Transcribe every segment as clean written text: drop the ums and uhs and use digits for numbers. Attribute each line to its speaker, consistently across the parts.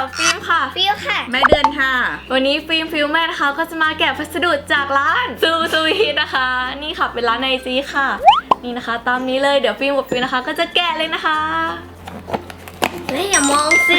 Speaker 1: ฟิล์มค่ะ
Speaker 2: ฟิวค่ะ
Speaker 3: แม่เดือนค่ะ
Speaker 1: วันนี้ฟิล์มฟิลแม่นะคะก็จะมาแกะพัสดุจากร้านซูซูวีทนะคะ นี่ค่ะเป็นร้านในจีค่ะ นี่นะคะตามนี้เลยเดี๋ยวฟิล์มกับฟิล์มนะคะก็จะแกะเลยนะคะ
Speaker 2: เฮ้ยอย่ามองสิ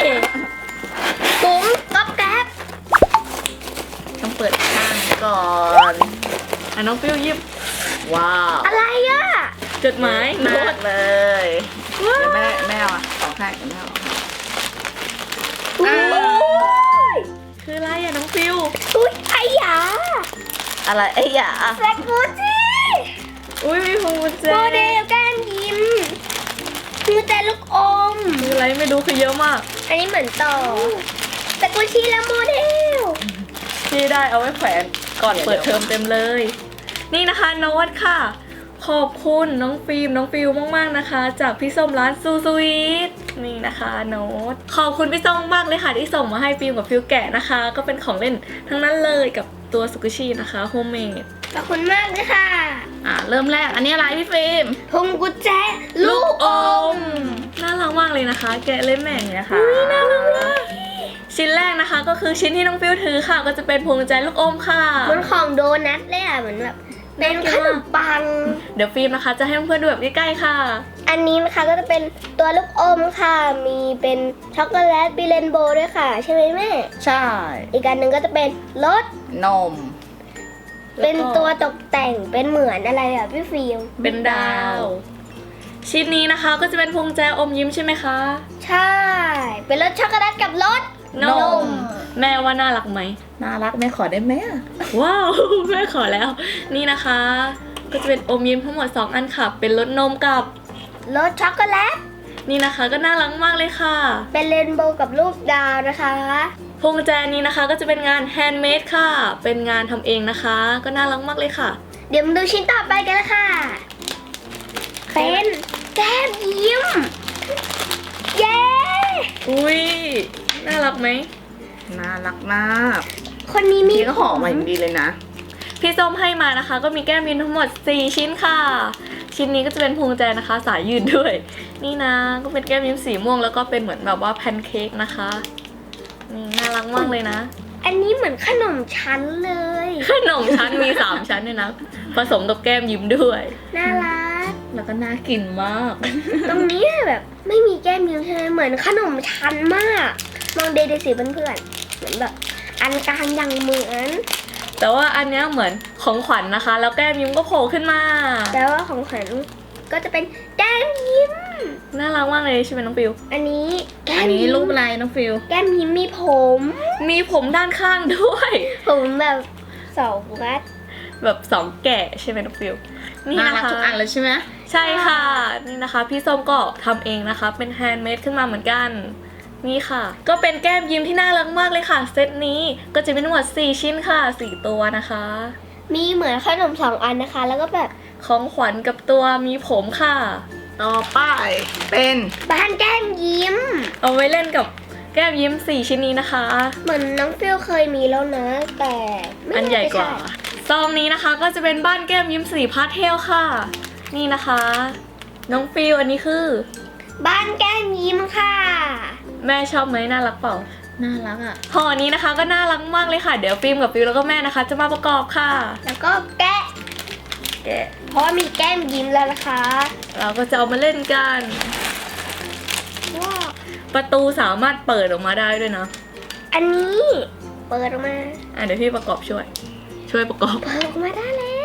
Speaker 2: ปุ๋มก๊อบแก๊บ
Speaker 3: ต้องเปิดข้างก่อน
Speaker 1: น้องฟิลหยิบ
Speaker 3: ว้าว
Speaker 2: อะไรอ่ะ
Speaker 1: จดหมายโน้
Speaker 3: มาก
Speaker 1: ต
Speaker 3: เลยเดี๋ยวแม่เอาของข้างกับแม่เอา
Speaker 2: อุ้ย
Speaker 1: คืออะไรอะน้องฟิล
Speaker 2: อุ้ยไอ้หยา
Speaker 3: อะไรไอ้หยา
Speaker 2: แฟลกฟูจิ
Speaker 1: อุ้ยมีพวงกุญแจ
Speaker 2: โมเดลแก้มยิ้มมือแต่ลูกอม
Speaker 1: คืออะไรไม่รู้คือเยอะมาก
Speaker 2: อันนี้เหมือนต่อแต่กุชีและโมเดล
Speaker 1: ที่ได้เอาไว้แขวนก่อนเปิดเทอมเต็มเลย นี่นะคะโน้ตค่ะ ขอบคุณน้องฟิล์มน้องฟิลมากๆนะคะ จากพี่ส้มร้านซูซูวีทนี่นะคะโน้ตขอบคุณพี่ส้มมากเลยค่ะที่ส่งมาให้ฟิล์มกับฟิลแกะนะคะ ก็เป็นของเล่นทั้งนั้นเลยกับตัวสุกุชินะคะโฮมเมด
Speaker 2: ขอบคุณมากเลยค่ะ
Speaker 3: เริ่มแรกอันนี้อะไรพี่ฟิล์ม
Speaker 2: พวงกุญแจลูกอม
Speaker 1: น่ารักมากเลยนะคะ แกะเล่นแม่ง
Speaker 3: นี่นะคะ
Speaker 1: น่ารักมากชิ้นแรกนะคะ ก็คือชิ้นที่น้องฟิลถือค่ะ ก็จะเป็นพวงกุญแจลูกอมค่ะ
Speaker 2: เหมือนของโดนัทเลยอ่ะเหมือนแบบเป็นขนมปัง
Speaker 1: เดี๋ยวฟิล์มนะคะจะให้เพื่อนๆดูแบบใกล้ๆค่ะ
Speaker 2: อันนี้นะคะก็จะเป็นตัวลูกอมค่ะ มีเป็นช็อกโกแลตมีเรนโบว์ด้วยค่ะ ใช่ไหมแม่
Speaker 3: ใช่
Speaker 2: อีกอันหนึ่งก็จะเป็นรถ
Speaker 3: นม
Speaker 2: เป็นตัวตกแต่งเป็นเหมือนอะไรอ่ะพี่ฟิล์ม
Speaker 1: เป็นดาว ชิ้นนี้นะคะก็จะเป็นพวงกุญแจอมยิ้มใช่ไหมคะ
Speaker 2: ใช่ เป็นรสช็อกโกแลตกับรส
Speaker 1: นมแม่ว่าน่ารักไหม
Speaker 3: น่ารักแม่ขอได้ไหมอะ
Speaker 1: ว้าว แม่ขอแล้ว นี่นะคะ ก็จะเป็นอมยิ้มทั้งหมด2อันค่ะ เป็นรสนมกับ
Speaker 2: รสช็อกโกแลต
Speaker 1: นี่นะคะก็น่ารักมากเลยค่ะ
Speaker 2: เป็นเรนโบว์กับรูปดาวนะคะ
Speaker 1: พวงกุญแจนี้นะคะก็จะเป็นงานแฮนด์เมดค่ะ เป็นงานทำเองนะคะ ก็น่ารักมากเลยค่ะ
Speaker 2: เดี๋ยวมาดูชิ้นต่อไปกันเลยค่ะ เป็นแก้มยิ้ม เย้
Speaker 1: อุ้ยน่ารักไหม
Speaker 3: น่ารักมาก
Speaker 2: คนนี้มี
Speaker 3: นี่ก็หอมมาอย่างดีเลยนะ
Speaker 1: พี่ส้มให้มานะคะ ก็มีแก้มยิ้มทั้งหมด4ชิ้นค่ะ ชิ้นนี้ก็จะเป็นพวงกุญแจนะคะ สายยืดด้วย นี่นะก็เป็นแก้มยิ้มสีม่วงแล้วก็เป็นเหมือนแบบว่าแพนเค้กนะคะนี่น่ารักมากเลยนะ
Speaker 2: อันนี้เหมือนขนมชั้นเลย
Speaker 1: ขนมชั้นมี3ชั้นด้วยนะผสมกับแก้มยิ้มด้วย
Speaker 2: น่ารัก
Speaker 1: แล้วก็น่ากินมาก
Speaker 2: ตรงนี้แบบไม่มีแก้มยิ้มใช่ไหมเหมือนขนมชั้นมาก มองเดย์สิเพื่อนๆเหมือนแบบอันกลางยังเหมือน
Speaker 1: แต่ว่าอันเนี้ยเหมือนของขวัญนะคะ แล้วแก้มยิ้มก็โผล่ขึ้นมา
Speaker 2: แต่ว่าของขวัญก็จะเป็นแก้มยิ้ม
Speaker 1: น่ารักมากเลยใช่ไหมน้องฟิว
Speaker 2: อันนี้แก้
Speaker 3: อั
Speaker 2: ม
Speaker 3: นนี้
Speaker 2: ยิ้ม
Speaker 3: รูปอะไรน้องฟิล
Speaker 2: แก้มยิ้มมีผม
Speaker 1: มีผมด้านข้างด้วย
Speaker 2: ผมแบบสองวัด
Speaker 1: แบบ2แกะใช่ไหมน้องฟิวนี่
Speaker 3: น่า
Speaker 1: นะ
Speaker 3: รัก
Speaker 1: คะ
Speaker 3: ทุกอันเลยใช่ไหม
Speaker 1: ใช่ค่ะนี่นะคะพี่ส้มก็ทำเองนะคะ เป็นแฮนด์เมดขึ้นมาเหมือนกันนี่ค่ะ ก็เป็นแก้มยิ้มที่น่ารักมากเลยค่ะเซตนี้ก็จะมีทั้งหมด4ชิ้นค่ะ4ตัวนะคะ
Speaker 2: มีเหมือนขนม2อันนะคะ แล้วก็แบบ
Speaker 1: ของขวัญกับตัวมีผมค่ะ
Speaker 3: ต่อไปเป็น
Speaker 2: บ้านแก้มยิ้ม
Speaker 1: เอาไว้เล่นกับแก้มยิ้ม4ชิ้นนี้นะคะ
Speaker 2: เหมือนน้องฟิลเคยมีแล้วนะ แต่ไม่
Speaker 1: อันใหญ่กว่า
Speaker 2: น่จะช่
Speaker 1: ซองนี้นะคะก็จะเป็นบ้านแก้มยิ้มสีพาสเทลค่ะ นี่นะคะ น้องฟิลอันนี้คือ
Speaker 2: บ้านแก้มยิ้มค่ะ
Speaker 1: แม่ชอบไหมน่ารักเปล่า
Speaker 3: น่ารักอ่ะ
Speaker 1: ห่อนี้นะคะก็น่ารักมากเลยค่ะเดี๋ยวฟิล์มกับฟิลแล้วก็แม่นะคะ จะมาประกอบค่ะ
Speaker 2: แล้วก็แกะ
Speaker 1: แกะ
Speaker 2: เพราะว่ามีแก้มยิ้มแล้วนะคะ
Speaker 1: เราก็จะเอามาเล่นกัน
Speaker 2: ว้าว
Speaker 1: ประตูสามารถเปิดออกมาได้ด้วยนะ
Speaker 2: อันนี้เปิดออกมา
Speaker 1: เดี๋ยวพี่ประกอบช่วยประกอบ
Speaker 2: เปิดออกมาได้แล้ว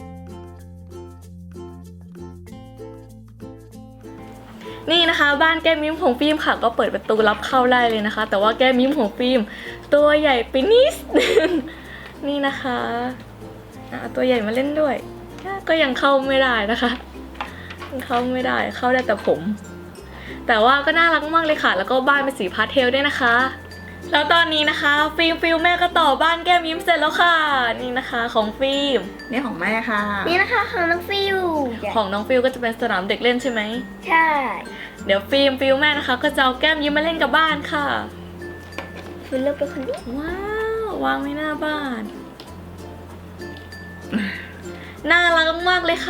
Speaker 1: นี่นะคะบ้านแก้มยิ้มของฟิล์มค่ะ ก็เปิดประตูรับเข้าได้เลยนะคะ แต่ว่าแก้มยิ้มของฟิล์มตัวใหญ่ไปนิดนึง นี่นะคะตัวใหญ่มาเล่นด้วย ก็ยังเข้าไม่ได้นะคะยังเข้าไม่ได้เข้าได้แต่ผม แต่ว่าก็น่ารักมากเลยค่ะ แล้วก็บ้านเป็นสีพาสเทลด้วยนะคะ แล้วตอนนี้นะคะฟิล์มแม่ก็ต่อบ้านแก้มยิ้มเสร็จแล้วค่ะ นี่นะคะของฟิล์ม
Speaker 3: นี่ของแม่ค่ะ
Speaker 2: นี่นะคะของน้องฟิล
Speaker 1: ของน้องฟิลก็จะเป็นสนามเด็กเล่นใช่ไหม
Speaker 2: ใช่
Speaker 1: เดี๋ยวฟิลแม่นะคะ ก็จะเอาแก้มยิ้มมาเล่นกับบ้านค่ะ
Speaker 2: ฟิลเลือกเป็นคนนี้
Speaker 1: ว้าว วางไว้หน้าบ้าน น่ารักมากเลยค่ะ เซ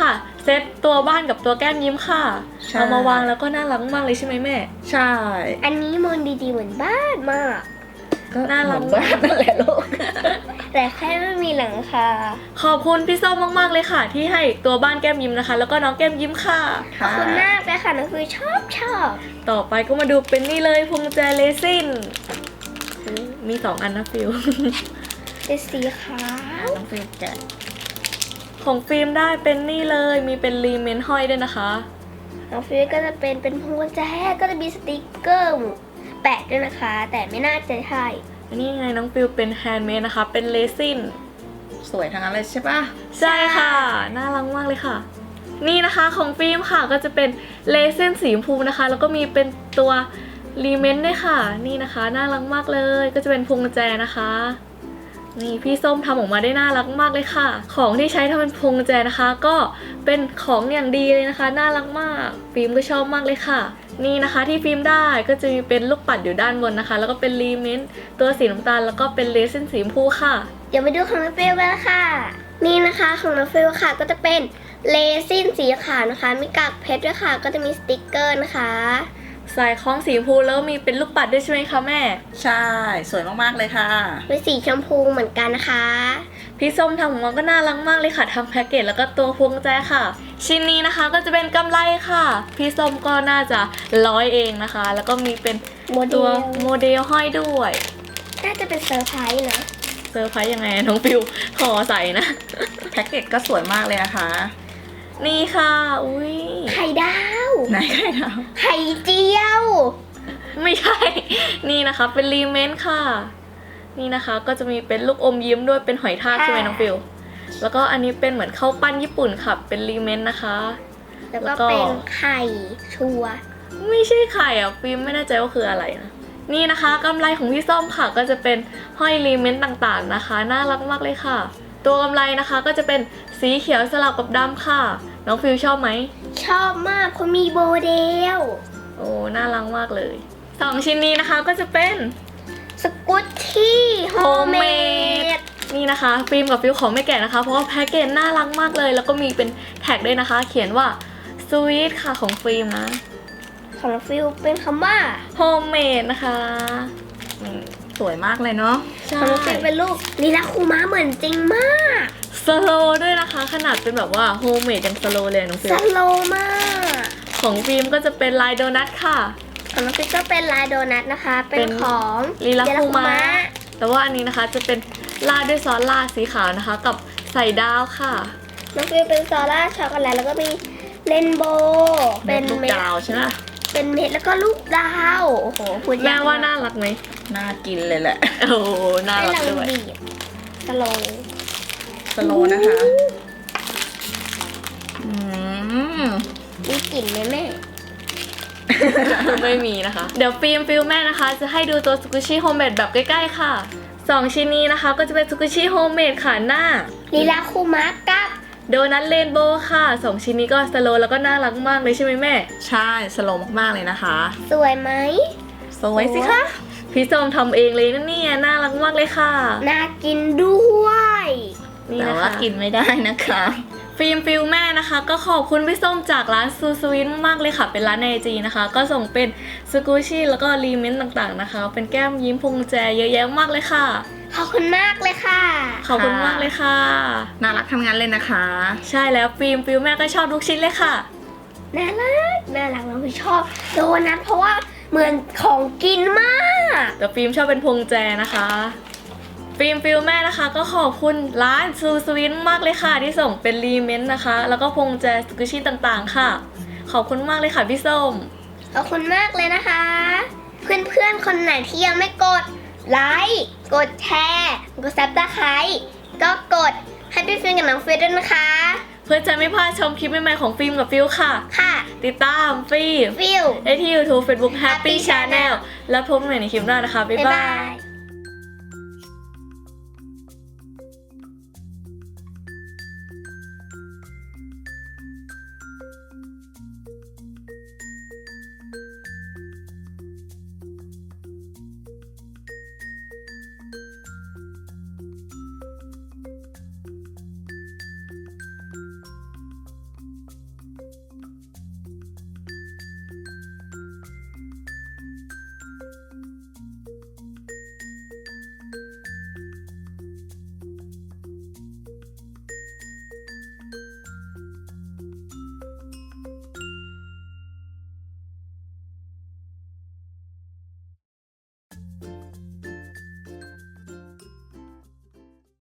Speaker 1: เซตตัวบ้านกับตัวแก้มยิ้มค่ะ
Speaker 3: ใช่
Speaker 1: เอามาวางแล้วก็น่ารักมากเลยใช่ไหมแม่
Speaker 3: ใช่
Speaker 2: อันนี้มองดีๆเหมือนบ้านมาก
Speaker 3: ก็
Speaker 1: น่ารัก
Speaker 3: เหมือนบ้านนั่นแหละลูก
Speaker 2: แต่แค่ไม่มีหลังคา
Speaker 1: ขอบคุณพี่ส้มมากๆเลยค่ะ ที่ให้ตัวบ้านแก้มยิ้มนะคะ แล้วก็น้องแก้มยิ้มค่ะ
Speaker 2: ขอบคุณมากเลยค่ะน้องฟิวชอบ
Speaker 1: ต่อไปก็มาดูเป็นนี่เลยพวงกุญแจเลซินมี2 อันนะฟิว
Speaker 2: เป็นสีขาว
Speaker 3: น้องฟิลแกะ
Speaker 1: ของฟิล์มได้เป็นนี่เลยมีเป็นรีเมนห้อยด้วยนะคะ
Speaker 2: น้องฟิวก็จะเป็นพวงกุญแจก็จะมีสติกเกอร์แปะด้วยนะคะ แต่ไม่น่าจะใช่
Speaker 1: อันนี้ไงน้องฟิลเป็นแฮนด์เมดนะคะเป็นเลซิน
Speaker 3: สวยทั้งนั้นเลยใช่ปะ
Speaker 1: ใช่ค่ะน่ารักมากเลยค่ะ นี่นะคะของฟิล์มค่ะก็จะเป็นเลซินสีชมพูนะคะ แล้วก็มีเป็นตัวรีเมนด้วยค่ะ นี่นะคะน่ารักมากเลยก็จะเป็นพวงกุญแจนะคะ นี่พี่ส้มทำออกมาได้น่ารักมากเลยค่ะ ของที่ใช้ทำเป็นพวงกุญแจนะคะ ก็เป็นของอย่างดีเลยนะคะ น่ารักมากฟิล์มก็ชอบมากเลยค่ะ นี่นะคะที่ฟิล์มได้ก็จะมีเป็นลูกปัดอยู่ด้านบนนะคะ แล้วก็เป็นรีเมนตัวสีน้ำตาลแล้วก็เป็นเลเส้นสีชมพูค่ะ
Speaker 2: เดี๋ยวมาดูของน้องฟิวกันละค่ะ นี่นะคะของน้องฟิวค่ะก็จะเป็นเลซินสีขาวนะคะ มีกากเพชรด้วยค่ะ ก็จะมีสติกเกอร์นะคะ
Speaker 1: ใส่ของสีชมพูแล้วมีเป็นลูกปัดด้วยใช่ไหมคะแม่
Speaker 3: ใช่สวยมากๆเลยค่ะ
Speaker 2: เป็นสีชมพูเหมือนกันนะคะ
Speaker 1: พี่ส้มทำออกมาก็น่ารักมากเลยค่ะทำแพ็กเกจแล้วก็ตัวพวงกุญแจค่ะ ชิ้นนี้นะคะก็จะเป็นกำไรค่ะ พี่ส้มก็น่าจะ100เองนะคะ แล้วก็มีเป็น
Speaker 2: โมเด
Speaker 1: ตัว
Speaker 2: ล
Speaker 1: โมเดลห้อยด้วย
Speaker 2: น่าจะเป็นเซอร์ไพรส์นะ
Speaker 1: เซอร์ไพรส์ยังไงน้องฟิวขอใส่นะ
Speaker 3: แพ็กเกจก็สวยมากเลยนะคะ
Speaker 1: นี่ค่ะอุ้ย
Speaker 2: ไข่ดาว
Speaker 3: ไหนใครท
Speaker 2: ไข่เจียว
Speaker 1: ไม่ใช่ นี่นะคะเป็นรีเมนค่ะ นี่นะคะก็จะมีเป็นลูกอมยิ้มด้วยเป็นหอยทากใช่ไหมน้องฟิวแล้วก็อันนี้เป็นเหมือนข้าวปั้นญี่ปุ่นค่ะเป็นรีเมนนะคะ
Speaker 2: แล้ว
Speaker 1: แล้วก็
Speaker 2: ก็เป็นไข่ชัวร์
Speaker 1: ไม่ใช่ไข่อ่ะฟิล์มไม่แน่ใจว่าคืออะไรนะนี่นะคะกำไรของพี่ส้มค่ะก็จะเป็นห้อยรีเมนต์ต่างๆนะคะน่ารักมากเลยค่ะ ตัวกำไรนะคะก็จะเป็นสีเขียวสลับกับดำค่ะน้องฟิลชอบไหม
Speaker 2: ชอบมากเพราะมีโมเดล
Speaker 1: โอ้น่ารักมากเลย2ชิ้นนี้นะคะก็จะเป็น
Speaker 2: สกุตชี่โฮมเมด
Speaker 1: นี่นะคะฟิล์มกับฟิลขอไม่แกะนะคะเพราะว่าแพ็กเกจน่ารักมากเลยแล้วก็มีเป็นแท็กด้วยนะคะ เขียนว่าสวีทค่ะของฟิล์มนะ
Speaker 2: ของน้องฟิวเป็นคำว่า
Speaker 1: โฮมเมดนะคะนี่
Speaker 3: ำสวยมากเลยเนาะ
Speaker 1: ใช่
Speaker 2: ของน้องฟิวเป็นรูปลีลาคูมาเหมือนจริงมาก
Speaker 1: สโลว์ด้วยนะคะ ขนาดเป็นแบบว่าโฮมเมดยังสโลว์เลยน้องฟิ
Speaker 2: ส
Speaker 1: ล
Speaker 2: โลว์มาก
Speaker 1: ของฟิล์มก็จะเป็นลายโดนัทค่ะ
Speaker 2: ของน้องฟิวก็เป็นลายโดนัทนะคะ เป็นของ
Speaker 1: ลีลาคูมะ
Speaker 2: มะ
Speaker 1: แต่ว่าอันนี้นะคะจะเป็นราดด้วยซอสราดสีขาวนะคะ กับใส่ดาวค่ะ
Speaker 2: น้องฟิวเป็นซอร่าช็อกโกแลตแล้วก็มีเรนโบว์
Speaker 3: เป็
Speaker 2: เป็น น
Speaker 3: ลูก
Speaker 2: เม็ด
Speaker 3: ดาวใช่ไหม
Speaker 2: เป็นเม็ดแล้วก็ลูกดาวโอ้โหพูดยาก
Speaker 1: แม่ว่าน่ารักไหม
Speaker 3: น่ากินเลยแหละ
Speaker 1: โอ้โหน่า
Speaker 2: ให้
Speaker 1: รัก
Speaker 2: เรา
Speaker 1: ด้วย
Speaker 2: บีบสโลว์
Speaker 3: สโลว์นะคะอืม
Speaker 2: มีกลิ่นไหมแม่
Speaker 1: ไม่มีนะคะ เดี๋ยวฟิลแม่นะคะ จะให้ดูตัวสกุชิโฮมเมดแบบใกล้ๆค่ะ2ชิ้นนี้นะคะก็จะเป็นสกุชิโฮมเมดค่ะหน้า
Speaker 2: ลีลาคูมะกับ
Speaker 1: โดนัทเรนโบว์ค่ะ2ชิ้นนี้ก็สโลว์แล้วก็น่ารักมากเลยใช่ไหมแม่
Speaker 3: ใช่สโลว์มากๆเลยนะคะ
Speaker 2: สวยไหม
Speaker 3: สวยสิคะ
Speaker 1: พี่ส้มทำเองเลยนะเนี่ยน่ารักมากเลยค่ะ
Speaker 2: น่ากินด้วย
Speaker 1: นี่
Speaker 3: แต่
Speaker 1: นะ
Speaker 3: ว่า
Speaker 1: คะ
Speaker 3: กินไม่ได้นะคะ
Speaker 1: ฟิลแม่นะคะ ก็ขอบคุณพี่ส้มจากร้านซูสวินมากๆเลยค่ะ เป็นร้านในจีนะคะ ก็ส่งเป็นสกูชี่แล้วก็รีเมนต์ต่างๆนะคะ เป็นแก้มยิ้มพวงกุญแจเยอะแยะมากเลยค่ะ
Speaker 2: ขอบคุณมากเลยค่ะ
Speaker 1: ขอบคุณมากเลยค่ะ
Speaker 3: น่ารักทำงานเลยนะคะ
Speaker 1: ใช่แล้วฟิลแม่ก็ชอบทุกชิ้นเลยค่ะ
Speaker 2: น่ารักเราชอบโดนัทเพราะว่าเหมือนของกินมาก
Speaker 1: แต่ฟิล์มชอบเป็นพวงกุญแจนะคะฟิลแม่นะคะ ก็ขอบคุณร้านซูสวินมากเลยค่ะ ที่ส่งเป็นรีเมนต์นะคะ แล้วก็พวงกุญแจสกูชี่ต่างๆค่ะ ขอบคุณมากเลยค่ะพี่ส้ม
Speaker 2: ขอบคุณมากเลยนะคะ เพื่อนๆคนไหนที่ยังไม่กดไลค์กดแชร์กดซับสไครต์ก็กดให้พี่ฟิล์มกับน้องฟิล์มด้วยนะคะ
Speaker 1: เพื่อจะไม่พลาดชมคลิปใหม่ๆของฟิล์มกับฟิลค่ะ
Speaker 2: ค่ะ
Speaker 1: ติดตามฟิล์ม
Speaker 2: ฟิล
Speaker 1: ได้ที่ YouTube Facebook Happy
Speaker 2: Happy
Speaker 1: Channel แล้วพบกันใหม่ในคลิปหน้านะคะ บ๊าย
Speaker 2: บ๊าย
Speaker 1: บา
Speaker 2: บาย ย